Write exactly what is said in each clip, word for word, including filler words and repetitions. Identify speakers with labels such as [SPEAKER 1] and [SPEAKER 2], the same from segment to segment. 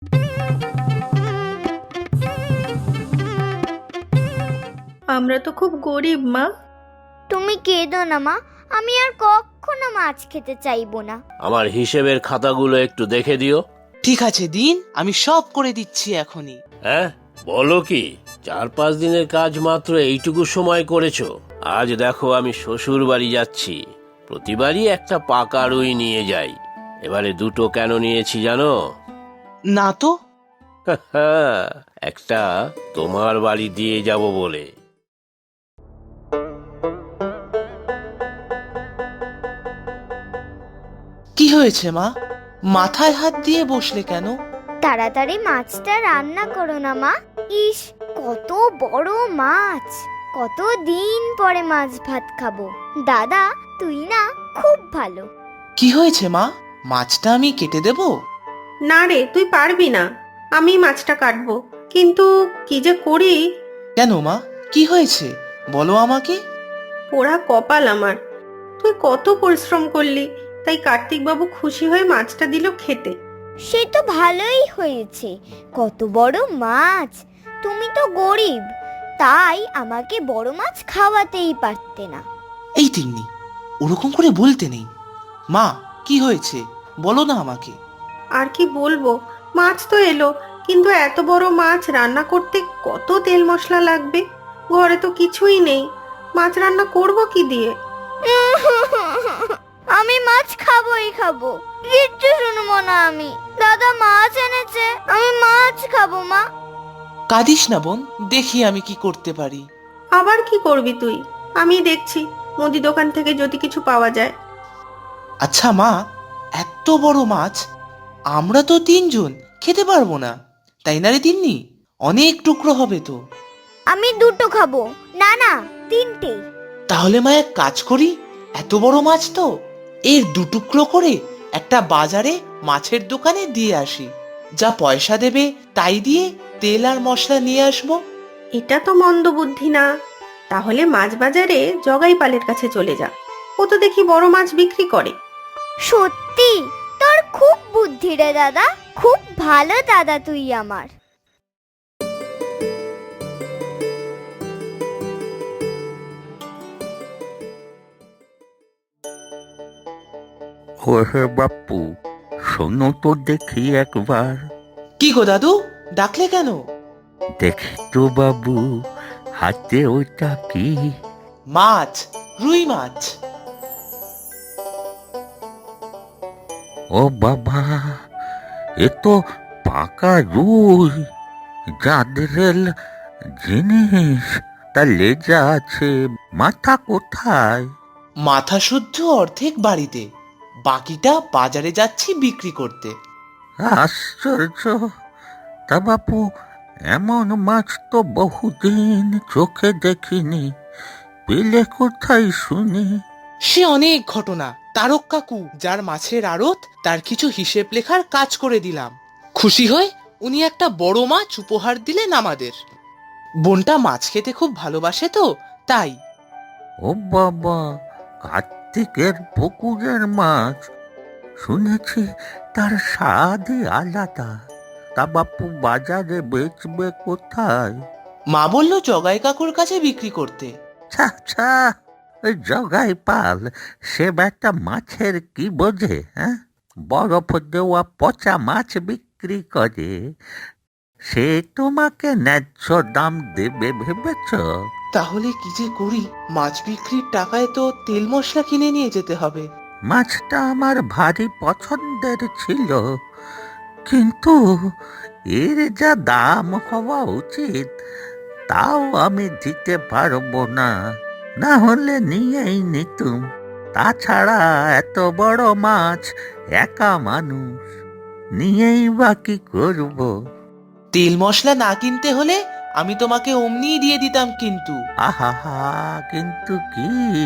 [SPEAKER 1] আমরা তো খুব গরিব মা।
[SPEAKER 2] তুমি কেঁদো না মা, আমি আর কখনো মাছ খেতে চাইবো না।
[SPEAKER 3] আমার হিসেবের খাতাগুলো একটু দেখে দিও।
[SPEAKER 4] ঠিক আছে দিন, আমি সব করে দিচ্ছি এখনই।
[SPEAKER 3] হ্যাঁ, বলো কি? চার পাঁচ দিনের কাজ মাত্র এইটুকু সময় করেছো। আজ দেখো আমি শ্বশুর বাড়ি যাচ্ছি, প্রতিবারই একটা পাকা রুই নিয়ে যাই। এবারে দুটো কেন নিয়েছি জানো?
[SPEAKER 4] না তো।
[SPEAKER 3] একটা তোমার বাড়ি দিয়ে যাব বলে।
[SPEAKER 4] কি হয়েছে মা? মাথায় হাত দিয়ে বসলে কেন?
[SPEAKER 2] তাড়াতাড়ি মাছটা রান্না করো না মা। ইস, কত বড় মাছ! কত দিন পরে মাছ ভাত খাবো। দাদা, তুই না খুব ভালো।
[SPEAKER 4] কি হয়েছে মা? মাছটা আমি কেটে দেব?
[SPEAKER 1] না রে, তুই পারবি না, আমি মাছটা কাটবো। কিন্তু কি যে করি।
[SPEAKER 4] কেন মা, কি হয়েছে বলো আমাকে।
[SPEAKER 1] পোড়া কপাল আমার। তুই কত পরিশ্রম করলি, তাই কার্তিক বাবু খুশি হয়ে মাছটা দিল খেতে।
[SPEAKER 2] সে তো ভালোই হয়েছে, কত বড় মাছ। তুমি তো গরিব, তাই আমাকে বড় মাছ খাওয়াতেই পারতে না।
[SPEAKER 4] এই তিন্নি, ওরকম করে বলতে নেই। মা, কি হয়েছে বলো না আমাকে।
[SPEAKER 1] আর কি বলবো, মাছ তো এলো, কিন্তু এত বড় মাছ রান্না করতে কত তেল মশলা লাগবে। ঘরে তো কিছুই নেই, মাছ রান্না করব কি দিয়ে?
[SPEAKER 2] আমি মাছ খাবোই খাবো, কিচ্ছু শুনবো না আমি। দাদা মাছ এনেছে, আমি মাছ খাবো মা।
[SPEAKER 4] কাঁদিস না বোন, দেখি আমি কি করতে পারি।
[SPEAKER 1] আবার কি করবি তুই? আমি দেখছি মুদি দোকান থেকে যদি কিছু পাওয়া যায়।
[SPEAKER 4] আচ্ছা মা, এত বড় মাছ আমরা তো তিনজন খেতে পারবো না, তাই না রে তিন্নি? অনেক টুকরো হবে তো।
[SPEAKER 2] আমি দুটো খাবো। না না, তিনটে।
[SPEAKER 4] তাহলে মা এক কাজ করি, এত বড় মাছ তো এর দু টুকরো করে একটা বাজারে মাছের দোকানে দিয়ে আসি। যা পয়সা দেবে তাই দিয়ে তেল আর মশলা নিয়ে আসবো।
[SPEAKER 1] এটা তো মন্দ বুদ্ধি না। তাহলে মাছ বাজারে জগাই পালের কাছে চলে যা, ও তো দেখি বড় মাছ বিক্রি করে।
[SPEAKER 2] সত্যি? তোর খুব বুদ্ধি রে দাদা, খুব ভালো দাদা তুই আমার।
[SPEAKER 5] ওহে বাপু, শোনো তো দেখি একবার।
[SPEAKER 4] কি গো দাদু, ডাকলে কেন?
[SPEAKER 5] দেখি তো বাবু, হাতে ওইটা কি?
[SPEAKER 4] মাছ, রুই মাছ।
[SPEAKER 5] ও বাবা, এ তো পাকা রুই, যাদের জিনিস। তা লেজা আছে, মাথা কোথায়?
[SPEAKER 4] মাথা শুদ্ধ অর্ধেক বাড়িতে, বাকিটা বাজারে যাচ্ছি বিক্রি করতে।
[SPEAKER 5] আশ্চর্য! তা বাপু, এমন মাছ তো বহুদিন চোখে দেখিনি, পেলে কোথায় শুনি?
[SPEAKER 4] সে অনেক ঘটনা। তারক কাকু, যার মাছের আড়ত, তার কিছু হিসেব লেখার কাজ করে দিলাম। খুশি হয়ে উনি একটা বড় মাছ উপহার দিলেন আমাদের। বোনটা মাছ খেতে খুব ভালোবাসে তো তাই।
[SPEAKER 5] ও বাবা, কার্তিকের পুকুরের মাছ, শুনেছি তার স্বাদই আলাদা। তা বাপু বাজারে বেচবে কোথায়?
[SPEAKER 4] মা বলল জগাই কাকুর কাছে বিক্রি করতে।
[SPEAKER 5] ছা ছা, ওই জগাই পাল সে একটা মাছের কি বোঝে? হ্যাঁ, বরফ দেওয়া পচা মাছ বিক্রি করে। সে তোমাকে ন্যায্য দাম দেবে ভেবেছ?
[SPEAKER 4] তাহলে কি যে করি, মাছ বিক্রির টাকায় তো তেল মশলা কিনে নিয়ে যেতে হবে।
[SPEAKER 5] মাছটা আমার ভারী পছন্দের ছিল, কিন্তু এর যা দাম হওয়া উচিত তাও আমি দিতে পারবো না। না হলে নিয়েই নিতুম। তাছাড়া এত বড় মাছ একা মানুষ নিয়েই বা কি করবো?
[SPEAKER 4] তেল মশলা না কিনতে হলে আমি তোমাকে অমনিই দিয়ে দিতাম, কিন্তু
[SPEAKER 5] আহা, কিন্তু কি,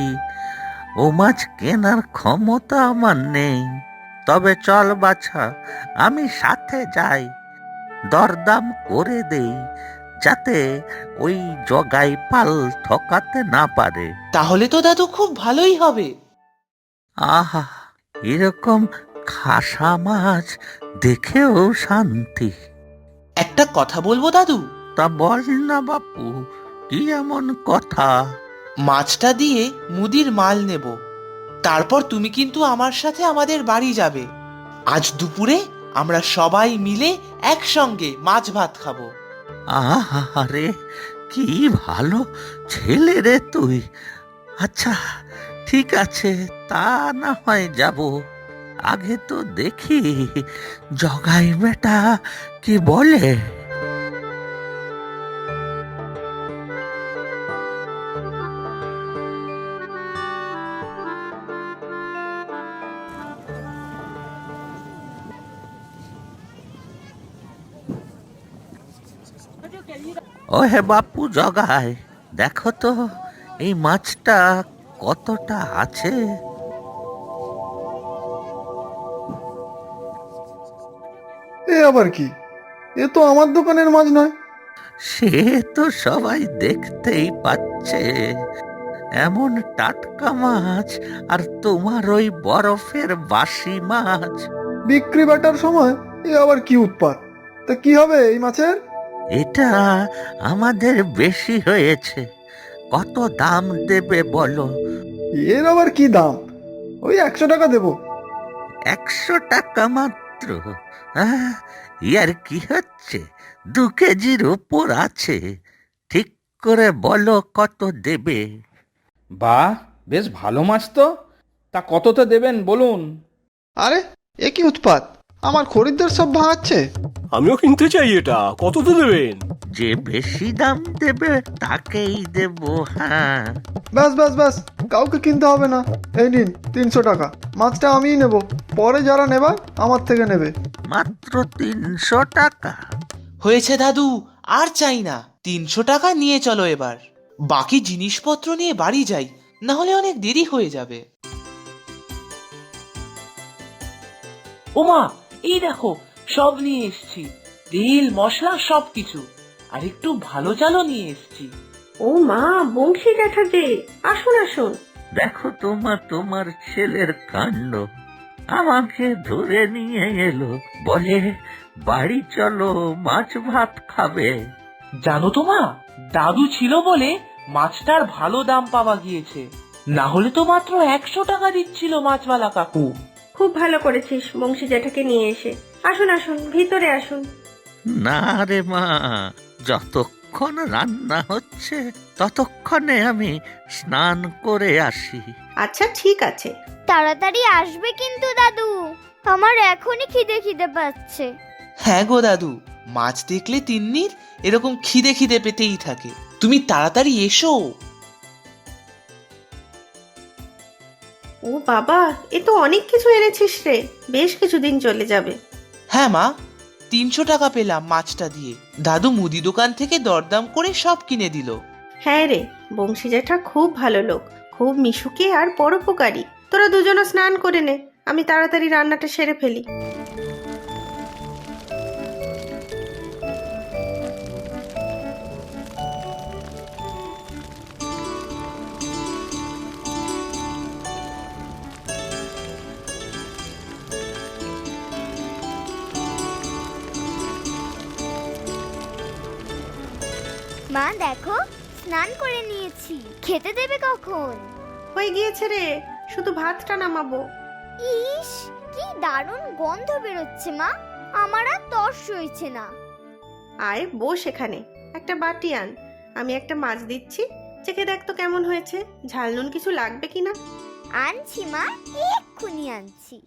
[SPEAKER 5] ও মাছ কেনার ক্ষমতা আমার নেই। তবে চল বাছা, আমি সাথে যাই, দরদাম করে দেই, যাতে ওই জগাই পাল ঠকাতে না পারে।
[SPEAKER 4] তাহলে তো দাদু খুব ভালোই হবে।
[SPEAKER 5] আহা, এরকম খাসা মাছ দেখেও শান্তি।
[SPEAKER 4] একটা কথা বলবো দাদু?
[SPEAKER 5] তা বল না বাপু, কি এমন কথা?
[SPEAKER 4] মাছটা দিয়ে মুদির মাল নেব, তারপর তুমি কিন্তু আমার সাথে আমাদের বাড়ি যাবে। আজ দুপুরে আমরা সবাই মিলে একসঙ্গে মাছ ভাত খাবো।
[SPEAKER 5] আহারে, কি ভালো ছেলে রে তুই। আচ্ছা ঠিক আছে, তা না হয় যাব। আগে তো দেখি জগাই বেটা কি বলে। ও হে বাপু জগাই, দেখো তো এই মাছটা কতটা আছে।
[SPEAKER 6] এ আবার কি? এ তো আমার দোকানের মাছ নয়।
[SPEAKER 5] সে তো সবাই দেখতেই পাচ্ছে, এমন টাটকা মাছ, আর তোমার ওই বরফের বাসি মাছ।
[SPEAKER 6] বিক্রি বাটার সময় এ আবার কি উৎপাত! তা কি হবে এই মাছের?
[SPEAKER 5] এটা আমাদের বেশি হয়েছে, কত দাম দেবে বলো?
[SPEAKER 6] এর আবার কি দাম? ওই একশো টাকা দেবো।
[SPEAKER 5] একশো টাকা মাত্র? আহ, ইয়ার কি হচ্ছে? দু কেজির উপর আছে, ঠিক করে বলো কত দেবে।
[SPEAKER 7] বাহ, বেশ ভালো মাছ তো। তা কততে দেবেন বলুন?
[SPEAKER 6] আরে এ কি উৎপাত! আমার খরিদ্দার সব ভাঙাচ্ছে।
[SPEAKER 3] আমিও কিনতে চাই এটা, কত তো দেবেন?
[SPEAKER 5] যে বেশি দাম দেবে তাকেই দেব। হ্যাঁ,
[SPEAKER 6] ব্যাস ব্যাস ব্যাস, কাউকে কিনতে হবে না। এই নিন তিনশো টাকা, মাছটা আমিই নেব, পরে যারা নেবার আমার থেকে নেবে।
[SPEAKER 5] মাত্র তিনশো টাকা?
[SPEAKER 4] হয়েছে দাদু, আর চাই না। তিনশো টাকা নিয়ে চলো এবার, বাকি জিনিসপত্র নিয়ে বাড়ি যাই, না হলে অনেক দেরি হয়ে যাবে।
[SPEAKER 8] ওমা, এই দেখো সব নিয়ে এসছি, তেল মশলা সবকিছু, আর একটু ভালো চালও নিয়ে এসছি।
[SPEAKER 1] ও মা, বংশী জ্যাঠা যে, আসুন আসুন।
[SPEAKER 5] দেখো তোমার তোমার ছেলের কাণ্ড, আমাকে ধরে নিয়ে এলো, বলে বাড়ি চলো মাছ ভাত খাবে।
[SPEAKER 8] জানো তো মা, দাদু ছিল বলে মাছটার ভালো দাম পাওয়া গিয়েছে, না হলে তো মাত্র একশো টাকা দিচ্ছিল মাছওয়ালা কাকু।
[SPEAKER 1] খুব ভালো করেছিস বংশী জ্যাঠাকে নিয়ে এসে। আসুন আসুন, ভিতরে আসুন।
[SPEAKER 5] না রে মা, যতক্ষণ রান্না হচ্ছে ততক্ষণে আমি স্নান করে আসি।
[SPEAKER 1] আচ্ছা ঠিক আছে।
[SPEAKER 2] তাড়াতাড়ি আসবে কিন্তু দাদু, আমার এখনই খিদে খিদে পাচ্ছে।
[SPEAKER 4] হ্যাঁ গো দাদু, মাছ দেখলে তিন্নির এরকম খিদে খিদে পেতেই থাকে। তুমি তাড়াতাড়ি এসো।
[SPEAKER 1] ও বাবা, এ তো অনেক কিছু এনেছিস রে, বেশ কিছুদিন চলে যাবে।
[SPEAKER 4] হ্যাঁ মা, তিনশো টাকা পেলাম মাছটা দিয়ে। দাদু মুদি দোকান থেকে দরদাম করে সব কিনে দিল।
[SPEAKER 1] হ্যাঁ রে, বংশী জ্যাঠা খুব ভালো লোক, খুব মিশুকে আর পরোপকারী। তোরা দুজনে স্নান করে নে, আমি তাড়াতাড়ি রান্নাটা সেরে ফেলি।
[SPEAKER 2] মা দেখো, স্নান করে নিয়েছি, খেতে দেবে কখন?
[SPEAKER 1] হয়ে গিয়েছে রে, শুধু ভাতটা নামাবো।
[SPEAKER 2] ইস, কি দারুণ গন্ধ বেরোচ্ছে মা, আমার আর তর্স হয়েছে না।
[SPEAKER 1] আয় বস এখানে, একটা বাটি আন, আমি একটা মাছ দিচ্ছি, চেখে দেখ তো কেমন হয়েছে, ঝাল নুন কিছু লাগবে কিনা।
[SPEAKER 2] আনছি মা, এক্ষুনি আনছি।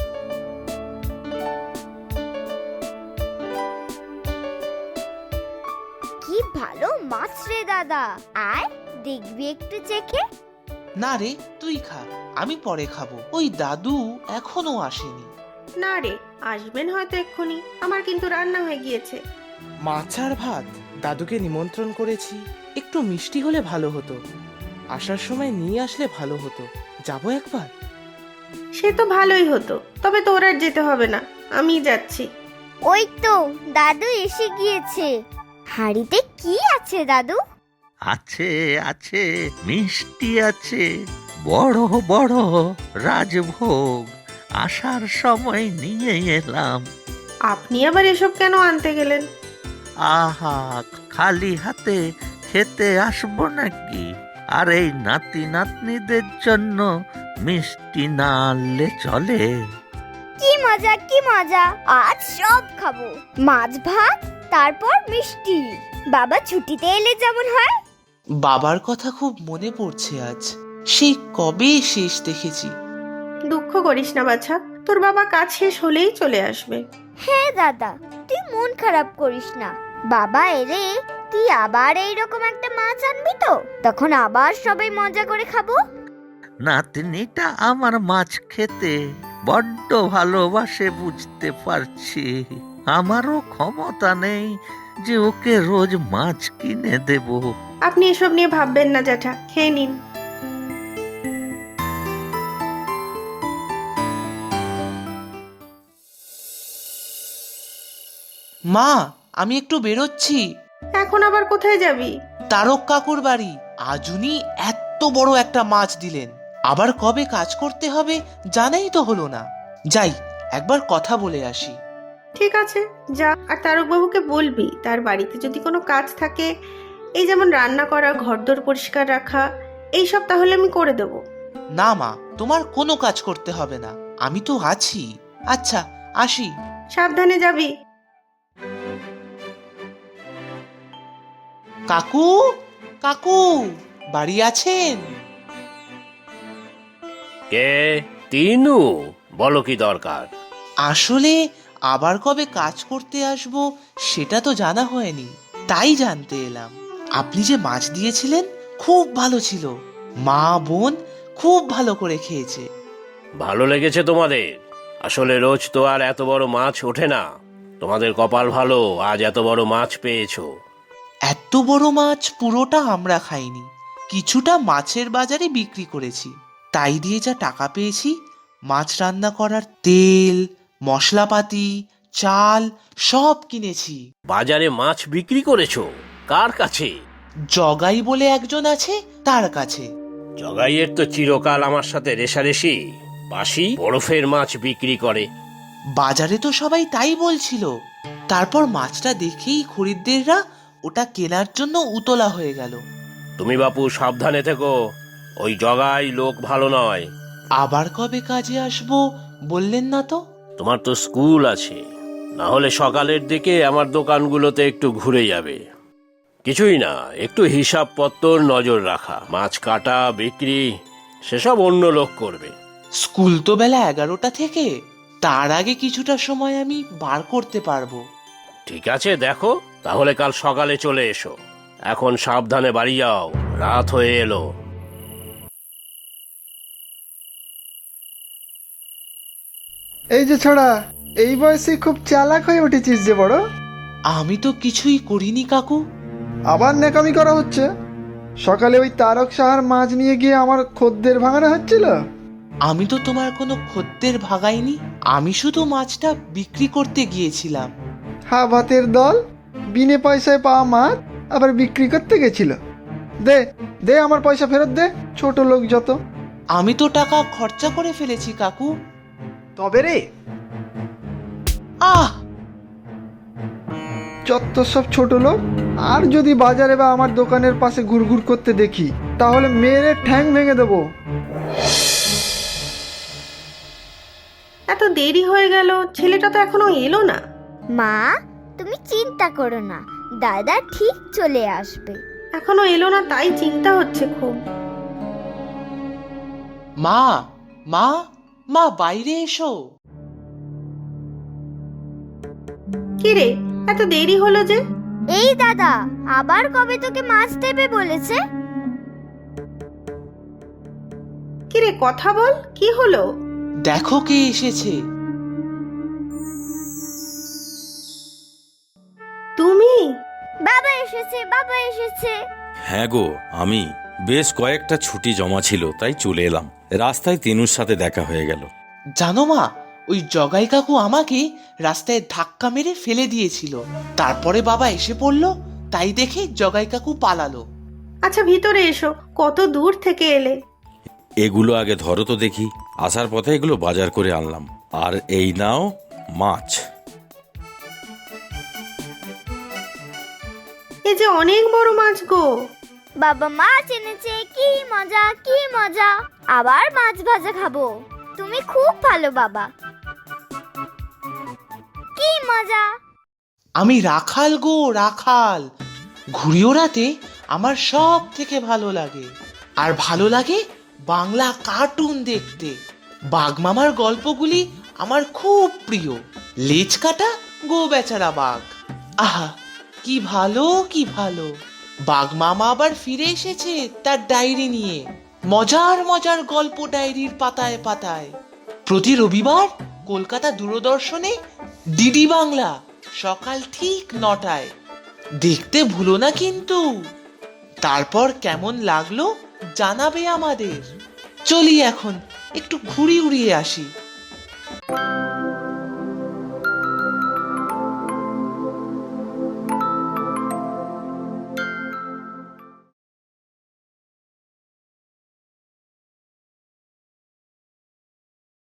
[SPEAKER 2] কি ভালো মাছ রে দাদা, আয় দেখবি একটু চেখে।
[SPEAKER 4] না রে, তুই খা, আমি পরে খাবো। ওই দাদু এখনো আসেনি।
[SPEAKER 1] না রে, আসবেন হয়তো এক্ষুনি, আমার কিন্তু রান্না হয়ে গিয়েছে।
[SPEAKER 4] মাছ আর ভাত, দাদুকে নিমন্ত্রণ করেছি, একটু মিষ্টি হলে ভালো হতো। আসার সময় নিয়ে আসলে ভালো হতো, যাবো একবার।
[SPEAKER 1] সে তো ভালোই হতো, তবে তোর আর যেতে হবে না, আমি যাচ্ছি।
[SPEAKER 2] ওই তো দাদু এসে গিয়েছে। হাড়িতে কি আছে দাদু?
[SPEAKER 5] আছে আছে, মিষ্টি আছে, বড় বড় রাজভোগ, আসার সময় নিয়ে এলাম।
[SPEAKER 1] আপনি আবার এসব কেন আনতে গেলেন?
[SPEAKER 5] আহা, খালি হাতে খেতে আসবো নাকি? আর এই নাতি নাতনিদের জন্য মিষ্টি না আনলে চলে?
[SPEAKER 2] কি মজা কি মজা, আজ সব খাবো, মাছ ভাত তারপর মিষ্টি। বাবা ছুটিতে এলে যেমন হয়।
[SPEAKER 4] বাবার কথা খুব মনে পড়ছে আজ। সেই কবে শেষ দেখেছি।
[SPEAKER 1] দুঃখ করিস না বাছা, তোর বাবা কাজ শেষ হলেই চলে আসবে।
[SPEAKER 2] হ্যাঁ দাদা, তুই মন খারাপ করিস না। বাবা এলে তুই আবার এইরকম একটা মাছ আনবি তো, তখন আবার সবাই মজা করে খাবো।
[SPEAKER 5] নাতনিটা আমার মাছ খেতে বড্ড ভালোবাসে, বুঝতে পারছি। আমারও ক্ষমতা নেই যে ওকে রোজ মাছ কিনে দেব।
[SPEAKER 1] আপনি এসব নিয়ে ভাববেন না জ্যাঠা, খেয়ে নিন।
[SPEAKER 4] মা, আমি একটু বেরোচ্ছি।
[SPEAKER 1] এখন আবার কোথায় যাবি?
[SPEAKER 4] তারক কাকুর বাড়ি। আজ উনি এত বড় একটা মাছ দিলেন, আবার কবে কাজ করতে হবে জানাই তো হলো না। যাই, একবার কথা বলে আসি।
[SPEAKER 1] ঠিক আছে, যা। আর তারকবাবুকে বলবি তার বাড়িতে যদি কোনো কাজ থাকে, এই যেমন রান্না করা, ঘরদোর পরিষ্কার রাখা, এইসব তাহলে আমি করে দেব।
[SPEAKER 4] না মা, তোমার কোনো কাজ করতে হবে না, আমি তো আছি। আচ্ছা, আসি।
[SPEAKER 1] সাবধানে যাবি।
[SPEAKER 4] কাকু, কাকু, বাড়ি আছেন?
[SPEAKER 3] কে? তিনু, বলো কি দরকার?
[SPEAKER 4] আসলে আবার কবে কাজ করতে আসবো সেটা তো জানা হয়নি, তাই জানতে এলাম। আপনি যে মাছ দিয়েছিলেন খুব ভালো ছিল, মা বোন খুব ভালো করে খেয়েছে।
[SPEAKER 3] ভালো লেগেছে তোমাদের? আসলে রোজ তো আর এত বড় মাছ ওঠে না। তোমাদের কপাল ভালো, আজ এত বড় মাছ পেয়েছো।
[SPEAKER 4] এত বড় মাছ পুরোটা আমরা খাইনি, কিছুটা মাছের বাজারে বিক্রি করেছি। তাই দিয়ে যা টাকা পেয়েছি, মাছ রান্না করার তেল, মশলাপাতি, চাল সব কিনেছি।
[SPEAKER 3] বাজারে মাছ বিক্রি করেছো? কার কাছে?
[SPEAKER 4] জগাই বলে একজন আছে, তার কাছে।
[SPEAKER 3] জগাইয়ের তো চিরকাল আমার সাথে রেশারেশি। বাসি বরফের মাছ বিক্রি করে।
[SPEAKER 4] বাজারে তো সবাই তাই বলছিল। তারপর মাছটা দেখেই খরিদ্দেররা ওটা কেনার জন্য উতলা হয়ে গেল।
[SPEAKER 3] তুমি বাপু সাবধানে থেকো, ওই জগাই লোক ভালো নয়।
[SPEAKER 4] আবার কবে কাজে আসবো বললেন না তো?
[SPEAKER 3] তোমার তো স্কুল আছে, না হলে সকালের দিকে আমার দোকানগুলোতে একটু ঘুরে যাবে। কিছুই না, একটু হিসাবপত্তর নজর রাখা, মাছ কাটা, বিক্রি, সেসব অন্য লোক করবে।
[SPEAKER 4] স্কুল তো বেলা এগারোটা থেকে, তার আগে কিছুটা সময় আমি বার করতে পারবো।
[SPEAKER 3] ঠিক আছে, দেখো তাহলে কাল সকালে চলে এসো। এখন সাবধানে বাড়ি যাও, রাত হয়ে এলো।
[SPEAKER 6] এই যে ছোড়া, এই বয়সে খুব চালাক হয়ে উঠেছিস যে বড়।
[SPEAKER 4] আমি তো কিছুই করিনি কাকু।
[SPEAKER 6] আবার ন্যাকামি করা হচ্ছে। সকালে ওই তারক সাহার মাছ নিয়ে গিয়ে আমার খদ্দের ভাঙানো হচ্ছিল।
[SPEAKER 4] আমি তো তোমার কোনো খদ্দের ভাগাইনি, আমি শুধু মাছটা বিক্রি করতে গিয়েছিলাম।
[SPEAKER 6] হা ভাতের দল, বিনে পয়সায় পাওয়া মাছ আবার বিক্রি করতে গেছিল। দে দে আমার পয়সা ফেরত দে, ছোট লোক যত।
[SPEAKER 4] আমি তো টাকা খরচা করে ফেলেছি কাকু।
[SPEAKER 6] তবে রে,
[SPEAKER 4] আহ,
[SPEAKER 6] যত সব ছোট লোক। আর যদি বাজারে বা আমার দোকানের পাশে ঘুরঘুর করতে দেখি, তাহলে মেরে ঠ্যাং ভেঙে দেবো।
[SPEAKER 1] এত দেরি হয়ে গেল, ছেলেটা তো এখনো এলো না।
[SPEAKER 2] মা, তুমি চিন্তা করো না, দাদা ঠিক চলে আসবে।
[SPEAKER 1] এখনো এলো না, তাই চিন্তা হচ্ছে খুব।
[SPEAKER 4] মা, মা, মা বাইরে এসো।
[SPEAKER 1] কি রে, এত দেরি হলো যে?
[SPEAKER 2] এই দাদা, আবার কবে তোকে মাছ দেবে বলেছে?
[SPEAKER 1] কি রে, কথা বল, কি হলো?
[SPEAKER 4] দেখো কে এসেছে।
[SPEAKER 1] তুমি?
[SPEAKER 2] বাবা এসেছে, বাবা এসেছে।
[SPEAKER 9] হ্যাঁ গো, আমি বেশ কয়েকটা ছুটি জমা ছিল, তাই চলে এলাম। রাস্তায় তিনুর সাথে দেখা হয়ে গেল।
[SPEAKER 4] জানো মা, ওই জগাই কাকু আমাকে রাস্তায় ধাক্কা মেরে ফেলে দিয়েছিল। তারপরে বাবা এসে পড়লো, তাই দেখে জগাই কাকু পালালো।
[SPEAKER 1] আচ্ছা ভিতরে এসো, কত দূর থেকে এলে।
[SPEAKER 9] এগুলো আগে ধরো তো দেখি। আসার পথে এগুলো বাজার করে আনলাম। আর এই নাও মাছ।
[SPEAKER 1] এ যে অনেক বড় মাছ গো।
[SPEAKER 2] বাবা মাছ এনেছে, কি মজা কি মজা। আবার মাছ ভাজা খাবো। তুমি খুব ভালো বাবা, কি মজা।
[SPEAKER 4] আমি রাখাল গো রাখাল। ঘুড়ি ওড়াতে আমার সব থেকে ভালো লাগে। আর ভালো লাগে বাংলা কার্টুন দেখতে। বাঘমামার গল্পগুলি আমার খুব প্রিয়। লেজ কাটা গো বেচারা বাঘ, আহা কি ভালো কি ভালো। বাঘমামা আবার ফিরে এসেছে তার ডায়েরি নিয়ে। মজার মজার গল্প ডায়েরির পাতায় পাতায়। প্রতি রবিবার কলকাতা দূরদর্শনে ডিডি বাংলা সকাল ঠিক নটায়। দেখতে ভুলো না কিন্তু। তারপর কেমন লাগলো জানাবে আমাদের। চলি এখন একটু ঘুড়ি উড়িয়ে আসি।